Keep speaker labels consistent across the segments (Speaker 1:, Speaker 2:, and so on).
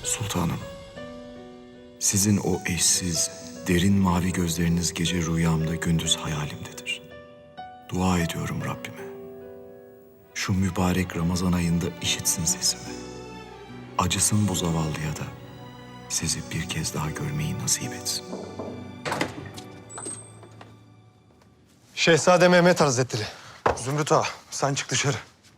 Speaker 1: Sultanım, sizin o eşsiz, derin mavi gözleriniz gece rüyamda, gündüz hayalimdedir. Dua ediyorum Rabbime. Şu mübarek Ramazan ayında işitsin sesimi. Acısın bu zavallıya da sizi bir kez daha görmeyi nasip etsin.
Speaker 2: Şehzade Mehmet Hazretleri. Zümrüt Ağa, sen çık dışarı.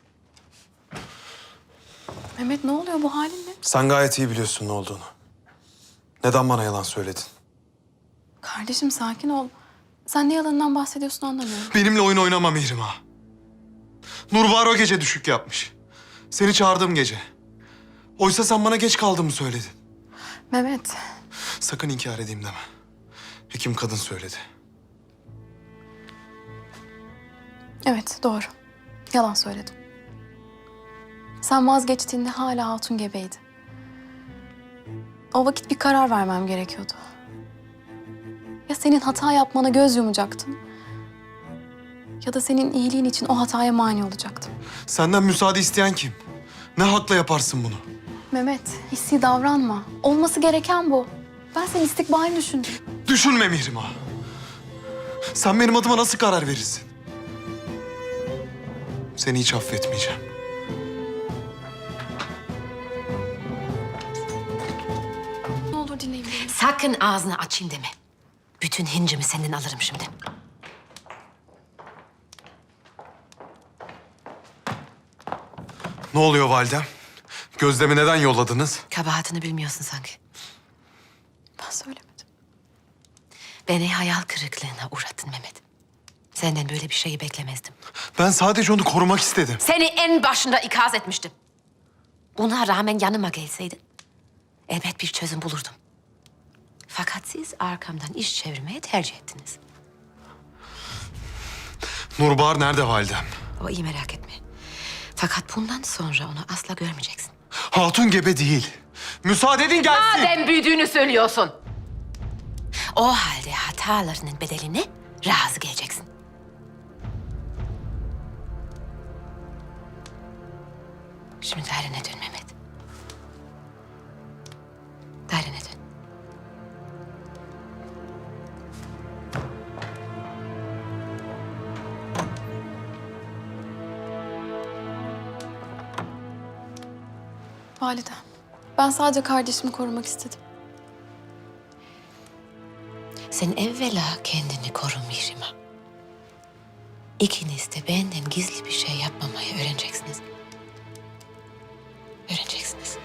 Speaker 3: Mehmet ne oluyor, bu halin ne?
Speaker 2: Sen gayet iyi biliyorsun ne olduğunu. Neden bana yalan söyledin?
Speaker 3: Kardeşim sakin ol. Sen ne yalanından bahsediyorsun anlamıyorum.
Speaker 2: Benimle oyun oynama Mihrim Ağa. Nurbahar o gece düşük yapmış. Seni çağırdığım gece. Oysa sen bana geç kaldığımı söyledin.
Speaker 3: Mehmet,
Speaker 2: Sakın inkar edeyim deme. Hekim kadın söyledi.
Speaker 3: evet doğru. Yalan söyledim. Sen vazgeçtiğinde hala hatun gebeydi. O vakit bir karar vermem gerekiyordu. Ya senin hata yapmana göz yumacaktım, ya da senin iyiliğin için o hataya mani olacaktım.
Speaker 2: Senden müsaade isteyen kim? Ne hakla yaparsın bunu?
Speaker 3: Mehmet, hissi davranma. Olması gereken bu. Ben senin istikbalini düşündüm.
Speaker 2: Düşünme Mihrim Ağa. Sen benim adıma nasıl karar verirsin? Seni hiç affetmeyeceğim.
Speaker 3: Ne olur dinleyin beni.
Speaker 4: Sakın ağzını açayım deme. Bütün hincimi senden alırım şimdi.
Speaker 2: Ne oluyor validem? Gözlemi neden yolladınız?
Speaker 4: Kabahatini bilmiyorsun sanki.
Speaker 3: Ben söylemedim.
Speaker 4: Beni hayal kırıklığına uğrattın Mehmet. Senden böyle bir şeyi beklemezdim.
Speaker 2: Ben sadece onu korumak istedim.
Speaker 4: Seni en başında ikaz etmiştim. Buna rağmen yanıma gelseydin elbet bir çözüm bulurdum. Fakat siz arkamdan iş çevirmeye tercih ettiniz.
Speaker 2: Nurbahar nerede validem?
Speaker 4: O iyi, merak etme. Fakat bundan sonra onu asla görmeyeceksin.
Speaker 2: Hatun gebe değil. Müsaade edin gelsin.
Speaker 4: Madem büyüdüğünü söylüyorsun. O halde hatalarının bedeline razı geleceksin. Şimdi dairene dön Mehmet. Dairene dön.
Speaker 3: Valide, ben sadece kardeşimi korumak istedim.
Speaker 4: Sen evvela kendini koru Mihrimah. İkiniz de benden gizli bir şey yapmamayı öğreneceksiniz. Öğreneceksiniz.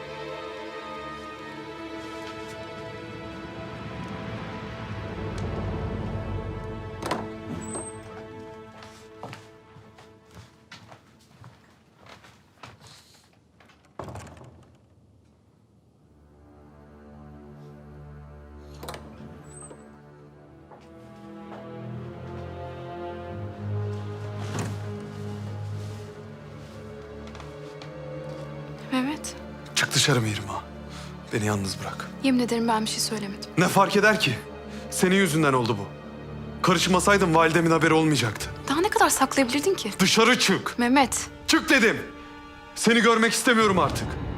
Speaker 3: Mehmet,
Speaker 2: Çık dışarı Mihrim Ağa. Beni yalnız bırak.
Speaker 3: yemin ederim ben bir şey söylemedim.
Speaker 2: Ne fark eder ki? Senin yüzünden oldu bu. Karışmasaydın validemin haberi olmayacaktı.
Speaker 3: Daha ne kadar saklayabilirdin ki?
Speaker 2: Dışarı çık.
Speaker 3: Mehmet,
Speaker 2: Çık dedim. Seni görmek istemiyorum artık.